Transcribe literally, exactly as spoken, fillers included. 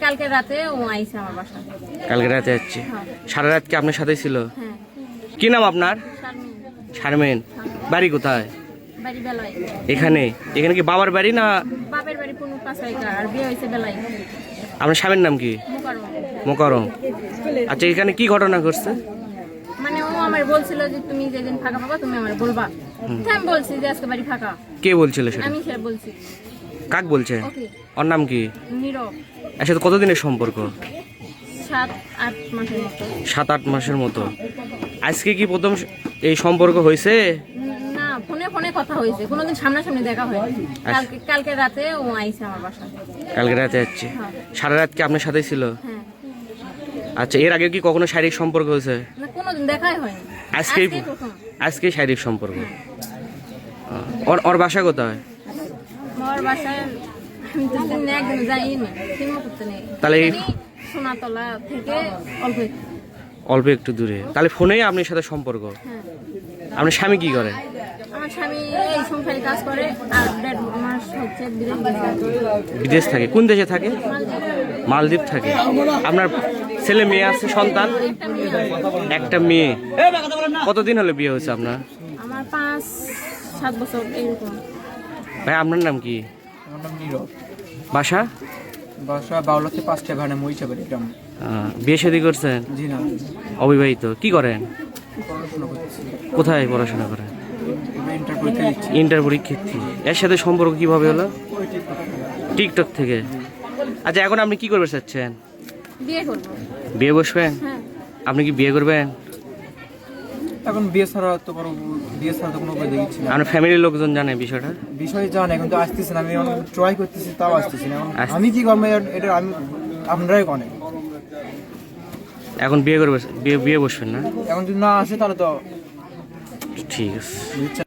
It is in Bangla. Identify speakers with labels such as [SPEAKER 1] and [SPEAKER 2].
[SPEAKER 1] কালকে রাতে ও আইছে আমার বাসায়।
[SPEAKER 2] কালকে রাতে যাচ্ছে? সারা রাত কি আপনার সাথে ছিল?
[SPEAKER 1] হ্যাঁ।
[SPEAKER 2] কি নাম আপনার? শারমিন। বাড়ি কোথায়?
[SPEAKER 1] বাড়ি বেলায়।
[SPEAKER 2] এখানে? এখানে কি বাবার বাড়ি না?
[SPEAKER 1] বাবার বাড়ি কোন পাশাইকা, আর বিয়ে হইছে বেলায়।
[SPEAKER 2] আপনার স্বামীর নাম কি?
[SPEAKER 1] মোকাররম।
[SPEAKER 2] মোকাররম। আচ্ছা, এখানে কি ঘটনা ঘটছে?
[SPEAKER 1] মানে ও আমার বলছিল যে তুমি যেদিন ফাঁকা পাবা তুমি আমার বলবা। তো আমি বলছি যে আজকে বাড়ি ফাঁকা।
[SPEAKER 2] কে বলছিল সেটা?
[SPEAKER 1] আমি সেটা বলছি।
[SPEAKER 2] কাক বলছে?
[SPEAKER 1] ওকে।
[SPEAKER 2] ওর নাম কি?
[SPEAKER 1] নীরব।
[SPEAKER 2] এর সাথে কতদিনের সম্পর্ক?
[SPEAKER 1] সাত আট মাসের মতো।
[SPEAKER 2] সাত আট মাসের মতো। আজকে কি প্রথম এই সম্পর্ক হয়েছে?
[SPEAKER 1] না, ফোনে ফোনে কথা হয়েছে, কোনোদিন সামনাসামনি দেখা হয়নি। কালকে কালকে রাতে ও আইছে আমার বাসায়।
[SPEAKER 2] কালকে রাতে যাচ্ছে? সারা রাত কি আপনার সাথে ছিল?
[SPEAKER 1] হ্যাঁ।
[SPEAKER 2] আচ্ছা, এর আগে কি কখনো শারীরিক সম্পর্ক হয়েছে?
[SPEAKER 1] না, কোনোদিন দেখাই হয়নি।
[SPEAKER 2] আজকেই
[SPEAKER 1] আজকেই প্রথম।
[SPEAKER 2] আজকেই শারীরিক সম্পর্ক। ওর ওর বাসা কোথায়?
[SPEAKER 1] আমার বাসায় আমি তো দিন একদিন যাইনি, সিনেমা করতে নেই।
[SPEAKER 2] তাহলে এই-
[SPEAKER 1] সোনাতলা থেকে অল্প একটু।
[SPEAKER 2] অল্প একটু দূরে। তাহলে ফোনেই আপনার সাথে সম্পর্ক?
[SPEAKER 1] হ্যাঁ।
[SPEAKER 2] আপনার স্বামী কি করে?
[SPEAKER 1] আমার স্বামী এই সংসারে কাজ করে, আর দেড় মাস হচ্ছে বিদেশ গেছে।
[SPEAKER 2] বিদেশ থাকে? কোন দেশে থাকে? মালদ্বীপ থাকে। আপনার ছেলে মেয়ে আছে, সন্তান?
[SPEAKER 1] একটা মেয়ে আছে।
[SPEAKER 2] একটা মেয়ে। কতদিন হলো বিয়ে হয়েছে আপনার?
[SPEAKER 1] আমার পাঁচ সাত বছর এরকম।
[SPEAKER 2] ভাই, আপনার নাম কি?
[SPEAKER 3] আমার নাম নীরব।
[SPEAKER 2] বাসা?
[SPEAKER 3] বাসা বাউলাতে পাঁচটা ভাড়া মহিষাবাড়ি গ্রাম।
[SPEAKER 2] আহ, বিয়ে শাদী করছেন?
[SPEAKER 3] জি না,
[SPEAKER 2] অবিবাহিত। কি করেন?
[SPEAKER 3] পড়াশোনা করতেছি।
[SPEAKER 2] কোথায় পড়াশোনা করেন?
[SPEAKER 3] এবার ইন্টার পরীক্ষা দিচ্ছি।
[SPEAKER 2] ইন্টার পরীক্ষার্থী। এর সাথে সম্পর্ক কিভাবে হলো?
[SPEAKER 3] ওই টিকটক থেকে।
[SPEAKER 2] টিকটক থেকে। আচ্ছা, এখন আপনি কি করবে চাচ্ছেন?
[SPEAKER 1] বিয়ে করবো।
[SPEAKER 2] বিয়ে বসবেন?
[SPEAKER 1] হ্যাঁ।
[SPEAKER 2] আপনি কি বিয়ে করবেন?
[SPEAKER 3] এখন বিয়ে ছাড়া তো কোনো বিয়ে ছাড়া তো কোনো উপায় দেখছি না।
[SPEAKER 2] আপনার ফ্যামিলির লোকজন জানে বিষয়টা?
[SPEAKER 3] বিষয় জানে, কিন্তু আসতেছে না। আমি এখন ট্রাই করতেছি, তাও আসতেছি না। এখন
[SPEAKER 2] আসতেছে।
[SPEAKER 3] আমি কি করবো এটা আমি আপনারাই কনে।
[SPEAKER 2] এখন বিয়ে করবে? বিয়ে বিয়ে বসবেন না?
[SPEAKER 3] এখন যদি না আসে তাহলে তো
[SPEAKER 2] ঠিক আছে।